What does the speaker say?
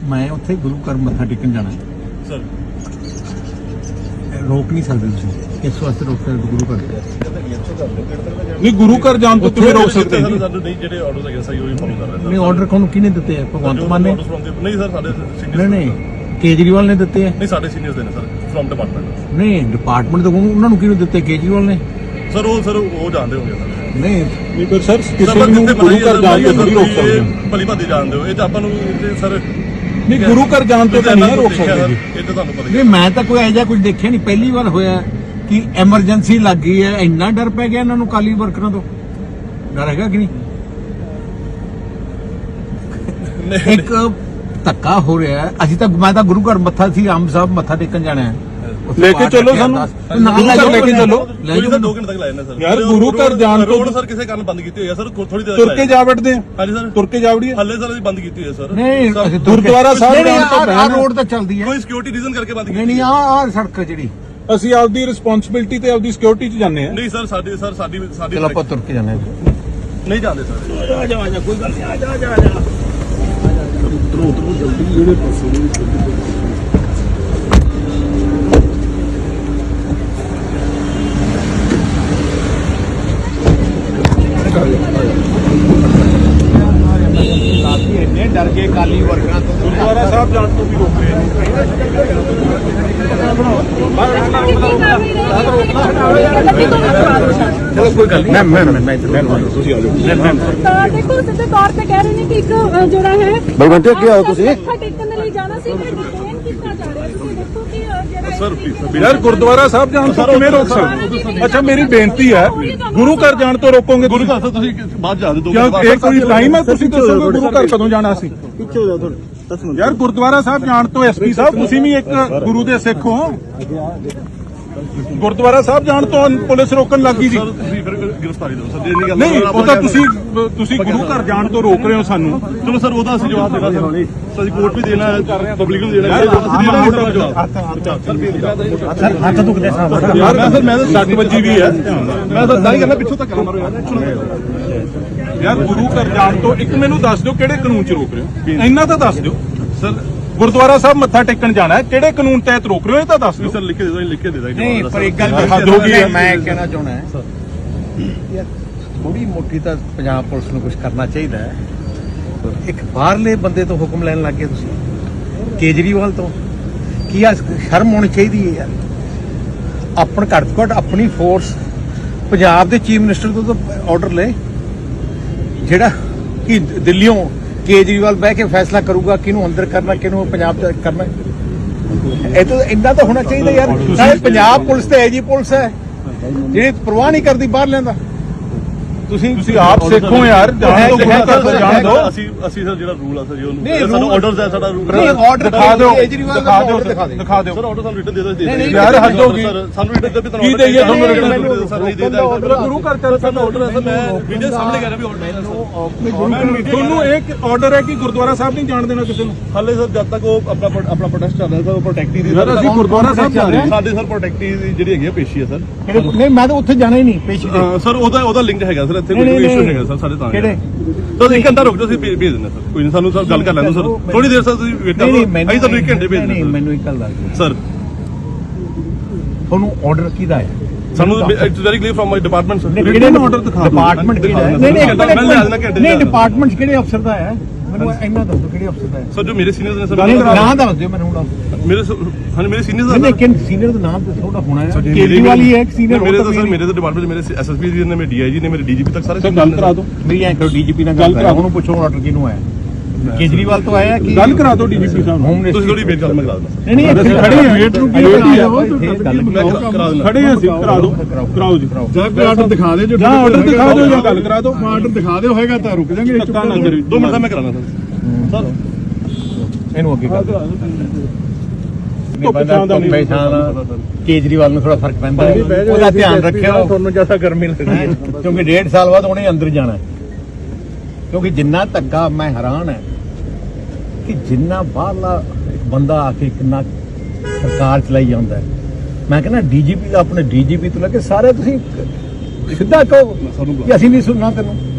मैं उत्थे गुरु घर मत्था टेकन जाना सर रोक नहीं सकते तुसीं इस वास्ते रोक सकते गुरु घर नहीं गुरु घर जान तो तुम्हें रोक सकते हैं ਸਾਨੂੰ ਨਹੀਂ ਜਿਹੜੇ ਆਰਡਰਸ ਹੈਗੇ ਸਹੀ ਉਹੀ ਫੋਲੋ ਕਰ ਰਹੇ नहीं ऑर्डर कौन किने दिते हैं भगवंत मान ने ਨਹੀਂ ਸਰ ਸਾਡੇ नहीं ਸੀਨੀਅਰ नहीं केजरीवाल ने दिते हैं ਨਹੀਂ ਸਾਡੇ ਸੀਨੀਅਰਸ ਦੇ ਨੇ ਸਰ ਫਰਮ ਡਿਪਾਰਟਮੈਂਟ नहीं डिपार्टमेंट तो उन्होंने किने दिते केजरीवाल ने ਸਰ ਉਹ ਜਾਣਦੇ ਹੋਗੇ ਸਰ नहीं नहीं पर सर किसी ਨੂੰ ਗੁਰੂ ਘਰ ਜਾਣ ਤੋਂ ਨਹੀਂ ਰੋਕ ਸਕਦੇ ਭਲੀ ਭਾਦੀ ਜਾਣਦੇ ਹੋ ਇਹ ਤਾਂ ਆਪਾਂ ਨੂੰ ਸਰ नहीं गुरु घर जान तो नहीं रोक सकते जी ਇਹ ਤਾਂ ਤੁਹਾਨੂੰ ਪਤਾ ਹੀ नहीं मैं तो कोई ऐसा कुछ देखा नहीं पहली बार होया कि एमरजेंसी लग गई है इन्ना डर पै गया इन्होंने काली वर्करां तो डर हैगा कि नहीं एक धक्का हो रहा है अभी तक मैं तो गुरु घर मत्था सी आम साहब मत्था टेकन जाना है लेके चलो सानू लेके चलो ਲੈ ਜਾਓ 2 ਘੰਟੇ ਤੱਕ ਲਾਇਆ ਨਾ ਸਰ यार गुरु घर जान तो ਰੋਡ ਸਰ ਕਿਸੇ ਕਾਰਨ ਬੰਦ ਕੀਤੀ ਹੋਈ ਹੈ ਸਰ ਥੋੜੀ ਦੇਰ तुर के जा बैठते हैं ਹਾਂਜੀ ਸਰ तुर के जा वड़िए ਹੱਲੇ ਸਰ ਅਸੀਂ ਬੰਦ ਕੀਤੀ ਹੋਈ ਹੈ ਸਰ नहीं गुरुद्वारा साहब जान तो आ रोड तो चलती है ਕੋਈ ਸਿਕਿਉਰਿਟੀ ਰੀਜ਼ਨ ਕਰਕੇ ਬੰਦ नहीं ਕੀਤੀ नहीं आ सड़क है जी ਅਸੀਂ ਆਪਦੀ ਰਿਸਪੌਂਸਿਬਿਲਟੀ ਤੇ ਆਪਦੀ ਸਿਕਿਉਰਿਟੀ 'ਚ ਜਾਂਦੇ ਹਾਂ ਨਹੀਂ ਸਰ ਸਾਡੀ चलो आप तुर के जाना है ਨਹੀਂ ਜਾਂਦੇ ਸਰ डर के काली वर्करां तो गुरुद्वारा साहब जान तो भी रोक रहे हैं चलो कोई गल नहीं मैं देखो सिद्धे तौर पे कह रहे हैं कि एक जोड़ा है बलवंत क्या हो तुसी मत्था टेकन दे लई जाना सी मैं डिटेन कितना जा रहा है तुसी देखो कि जेड़ा ਸਰ यार गुरुद्वारा साहब जान तो किवें रोक सकते अच्छा मेरी बेनती है गुरु घर जान तो रोकोगे ਗੁਰੂ ਘਰ ਤੋਂ ਤੁਸੀਂ ਬਾਅਦ ਜਾ ਦਿਓ क्या ये कोई टाइम है तुसी दसोगे गुरु घर कदों जाना सी यार गुरुद्वारा साहब जान तो एसपी साहब तुसी भी एक गुरु दे सिख हो गुरुद्वारा साहब जान तो पुलिस रोकन लगी जी ਸਰ ਤੁਸੀਂ ਫਿਰ ਗ੍ਰਿਫਤਾਰੀ ਦਿਓ ਸਰ ਜੇ ਨਹੀਂ ਗੱਲ नहीं वो तो तुसी गुरु घर जान तो रोक रहे हो सानू ਚਲੋ ਸਰ ਉਹਦਾ ਅਸੀਂ ਜਵਾਬ ਦੇਣਾ ਸਰ ਅਸੀਂ ਕੋਰਟ ਵੀ ਦੇਣਾ ਹੈ ਪਬਲਿਕ ਨੂੰ ਦੇਣਾ ਹੈ सर हाथ दुखदे साहब यार मैं तो 60 वजी भी है ਮੈਂ ਤਾਂ ਦਾਈ ਕਰਨਾ ਪਿੱਛੋਂ ਤੱਕ ਮਾਰੋ ਯਾਰ यार गुरु घर जान तो एक मैनू दस दिओ किहड़े कानून च रोक रहे हो इन्ना तो दस दिओ ਸਰ गुरुद्वारा साहब मत्था टेकन जाना है किहड़े कानून तहत रोक रहे हो ये तो दस दिओ ਸਰ ਲਿਖ ਕੇ ਦੇ ਦੋ ਲਿਖ ਕੇ ਦੇ ਦਾਂਗੇ नहीं पर एक गल हद हो गई है। मैं कहना चाहना है यार थोड़ी मोटी तो पंजाब पुलिस को कुछ करना चाहिए एक बाहरले बंदे तो हुक्म लैन लग गए तुसीं केजरीवाल तो की शर्म होनी चाहिए है यार अपन घट तो घट अपनी फोर्स पंजाब के चीफ मिनिस्टर तो ऑर्डर ले जेड़ा कि दिल्लियों केजरीवाल बह के फैसला करूगा किनू अंदर करना किनू पंजाब करना ਇਹ ਤਾਂ ਇੰਨਾ ਤਾਂ ਹੋਣਾ ਚਾਹੀਦਾ ਯਾਰ ਸਾਰੇ ਪੰਜਾਬ ਪੁਲਿਸ ਤੇ ਐਜੀ ਪੁਲਿਸ ਹੈ ਜਿਹੜੀ ਪਰਵਾਹ ਨਹੀਂ ਕਰਦੀ ਬਾਹਰ ਲੈਂਦਾ ਤੁਸੀਂ ਆਪ ਸਿੱਖੋ ਯਾਰ ਜਾਣ ਤੋਂ ਗੁਰੂ ਘਰ ਤੋਂ ਜਾਣ ਦਿਓ ਅਸੀਂ ਸਰ ਜਿਹੜਾ ਰੂਲ ਆ ਸਰ ਜੀ ਨਹੀਂ, ਉਹਨੂੰ ਸਾਨੂੰ rule- ਆਰਡਰਸ ਹੈ ਸਾਡਾ ਰੂਲ ਨਹੀਂ ਆਰਡਰ ਦਿਖਾ ਦਿਓ ਕੇਜਰੀਵਾਲ ਦਾ order ਦਿਖਾ ਦਿਓ ਦਿਖਾ ਦਿਓ ਸਰ ਆਰਡਰ ਸਾਨੂੰ ਰਿਟਨ ਦੇ ਦੋ ਨਹੀਂ, ਯਾਰ ਹੱਦ ਹੋ ਗਈ ਸਰ ਸਾਨੂੰ ਰਿਟਨ ਦੇ ਵੀ ਕੀ ਦੇਈਏ ਤੁਹਾਨੂੰ order written? ਸਰ ਨਹੀਂ ਦੇ ਦਾ ਗੁਰੂ ਘਰ ਚੱਲ ਸਾਡਾ ਆਰਡਰ ਹੈ ਸਰ ਮੈਂ ਵੀਡੀਓ ਸਾਹਮਣੇ ਕਰ ਰਿਹਾ ਵੀ ਆਰਡਰ ਹੈ ਤੁਹਾਨੂੰ ਇੱਕ ਆਰਡਰ ਹੈ ਕਿ ਗੁਰਦੁਆਰਾ ਸਾਹਿਬ ਨਹੀਂ ਜਾਣ ਦੇਣਾ ਕਿਸੇ ਨੂੰ ਹਾਲੇ ਸਰ ਜਦ ਤੱਕ ਉਹ ਆਪਣਾ ਪ੍ਰੋਟੈਸਟ ਚੱਲ ਰਿਹਾ ਸਰ ਉਹ ਪ੍ਰੋਟੈਕਟੀ ਦੀ ਯਾਰ ਅਸੀਂ ਗੁਰਦੁਆਰਾ ਸਾਹਿਬ ਜਾ ਰਹੇ ਹਾਂ ਸਾਡੇ ਸਰ ਪ੍ਰੋਟੈਕਟੀ ਦੀ ਜਿਹੜੀ ਹੈਗੀ ਆ ਪੇਸ਼ੀ ਹੈ ਸਰ ਨਹੀਂ ਮੈਂ ਤਾਂ ਉੱਥੇ ਜਾਣਾ ਹੀ ਨਹੀਂ ਪੇਸ਼ੀ ਤੇ ਸਰ ਉਹਦਾ ਲਿੰਕ ਹੈਗਾ ਸਰ ਇੱਥੇ ਨਹੀਂ, ਕੋਈ ਨਹੀਂ, ਇਸ਼ੂ ਹੈਗਾ ਸਰ ਸਾਡੇ ਤਾਂ ਕਿਹੜੇ? ਸਰ 1 ਘੰਟਾ ਰੁਕ ਜਾਓ ਅਸੀਂ ਭੇਜ ਦਿੰਦੇ ਸਰ ਕੋਈ ਨਹੀਂ ਸਾਨੂੰ ਸਰ ਗੱਲ ਕਰ ਲੈਂਦੇ ਸਰ ਥੋੜੀ ਦੇਰ ਸਰ ਤੁਸੀਂ ਵੇਟ ਕਰੋ ਅਸੀਂ ਤੁਹਾਨੂੰ 1 ਘੰਟੇ ਭੇਜ ਨਹੀਂ ਦਿੰਦੇ ਮੈਨੂੰ ਇੱਕ ਗੱਲ ਦੱਸ ਦਿਓ ਸਰ ਤੁਹਾਨੂੰ ਆਰਡਰ ਕਿਹਦਾ ਹੈ ਸਾਨੂੰ it's very clear from my department sir ਕਿਹੜੇ ਨੂੰ order ਦਿਖਾ ਦਿਓ? ਡਿਪਾਰਟਮੈਂਟ ਕਿਹੜਾ ਹੈ ਨਹੀਂ, ਨਹੀਂ, ਮੈਂ ਲੈ ਲੈਣਾ ਘੰਟੇ ਨਹੀਂ ਚ। ਡਿਪਾਰਟਮੈਂਟ ਕਿਹੜੇ ਅਫਸਰ ਦਾ ਹੈ ਮੈਨੂੰ ਇੰਨਾ ਦੱਸੋ ਕਿਹੜੇ ਅਫਸਰ ਦਾ ਹੈ ਸਰ ਜੋ ਮੇਰੇ ਸੀਨੀਅਰਸ ਨੇ ਸਰ ਨਾਮ ਦੱਸ ਦਿਓ ਮੈਨੂੰ ਹੁਣ ਮੇਰੇ ਮੇਰੇ ਸੀਨੀਅਰਸ ਨਹੀਂ ਲੇਕਿਨ ਸੀਨੀਅਰ ਦਾ ਨਾਮ ਤਾਂ ਥੋੜਾ ਹੋਣਾ ਹੈ ਕੇਜਰੀਵਾਲ ਹੀ ਹੈ ਇੱਕ ਸੀਨੀਅਰ ਮੇਰੇ ਤਾਂ ਸਰ ਮੇਰੇ ਤਾਂ ਡਿਪਾਰਟਮੈਂਟ ਮੇਰੇ ਐਸਐਸਪੀ ਜੀ ਨੇ ਮੇਰੇ ਡੀਆਈਜੀ ਨੇ ਮੇਰੇ ਡੀਜੀਪੀ ਤੱਕ ਸਾਰੇ ਸਰ ਗੱਲ ਕਰਾ ਦਿਓ ਮੇਰੀ ਐਂ ਕਰੋ ਡੀਜੀਪੀ ਨਾਲ ਗੱਲ ਕਰਾ ਉਹਨੂੰ ਪੁੱਛੋ ਆਰਡਰ ਕਿਹਨੂੰ ਆਇਆ ਕੇਜਰੀਵਾਲ ਤੋਂ ਆਇਆ ਕਿ ਗੱਲ ਕਰਾ ਦਿਓ ਡੀਜੀਪੀ ਸਾਹਿਬ ਨੂੰ ਹੋਮ ਤੁਸੀਂ ਥੋੜੀ ਵੇਟ ਕਰੋ ਮੈਂ ਕਰਾ ਦਿੰਦਾ ਨਹੀਂ ਅਸੀਂ ਖੜੇ ਹਾਂ, ਵੇਟ ਨੂੰ ਕੀ ਵੇਟ ਹੋਈ ਆ? ਕਰਾ ਦਿੰਦਾ ਖੜੇ ਹਾਂ ਅਸੀਂ ਕਰਾ ਦਿਓ ਕਰਾਓ ਜੀ ਜਾਂ ਕੋਈ ਆਰਡਰ ਦਿਖਾ ਦੇ ਜੋ ਜਾਂ ਆਰਡਰ ਦਿਖਾ ਦਿਓ ਜਾਂ ਗੱਲ ਕਰਾ ਦਿਓ ਆਰਡਰ ਦਿਖਾ ਦਿਓ ਹੋਏਗਾ ਤਾਂ ਰੁਕ ਜਾਾਂਗੇ ਧੱਕਾ ਨਾ ਕਰਿਓ 2 ਮਿੰਟ ਦਾ ਮੈਂ ਕਰਾਣਾ ਸਰ ਇਹਨੂੰ ਅੱਗੇ ਕਰ ਧੁੱਪ ਛਾਂ ਦਾ ਨਹੀਂ ਕੇਜਰੀਵਾਲ ਨੂੰ ਥੋੜਾ ਫਰਕ ਪੈਂਦਾ ਹੈ ਉਹਦਾ ਧਿਆਨ ਰੱਖਿਓ ਤੁਹਾਨੂੰ ਜਿਆਦਾ ਗਰਮੀ ਲੱਗਦੀ ਹੈ ਕਿਉਂਕਿ 1.5 ਸਾਲ ਬਾਅਦ ਉਹਨੇ ਅੰਦਰ ਜਾਣਾ ਹੈ ਕਿਉਂਕਿ ਜਿੰਨਾ ਧੱਕਾ ਮੈਂ ਹੈਰਾਨ ਹੈ ਕਿ ਜਿੰਨਾ ਬਾਹਰਲਾ ਇੱਕ ਬੰਦਾ ਆ ਕੇ ਕਿੰਨਾ ਸਰਕਾਰ ਚਲਾਈ ਜਾਂਦਾ ਹੈ ਮੈਂ ਕਹਿੰਦਾ ਡੀਜੀਪੀ ਦਾ ਆਪਣੇ ਡੀਜੀਪੀ ਤੋਂ ਲੈ ਕੇ ਸਾਰੇ ਤੁਸੀਂ ਸਿੱਧਾ ਕਹੋ ਕਿ ਅਸੀਂ ਨਹੀਂ ਸੁਣਨਾ ਤੈਨੂੰ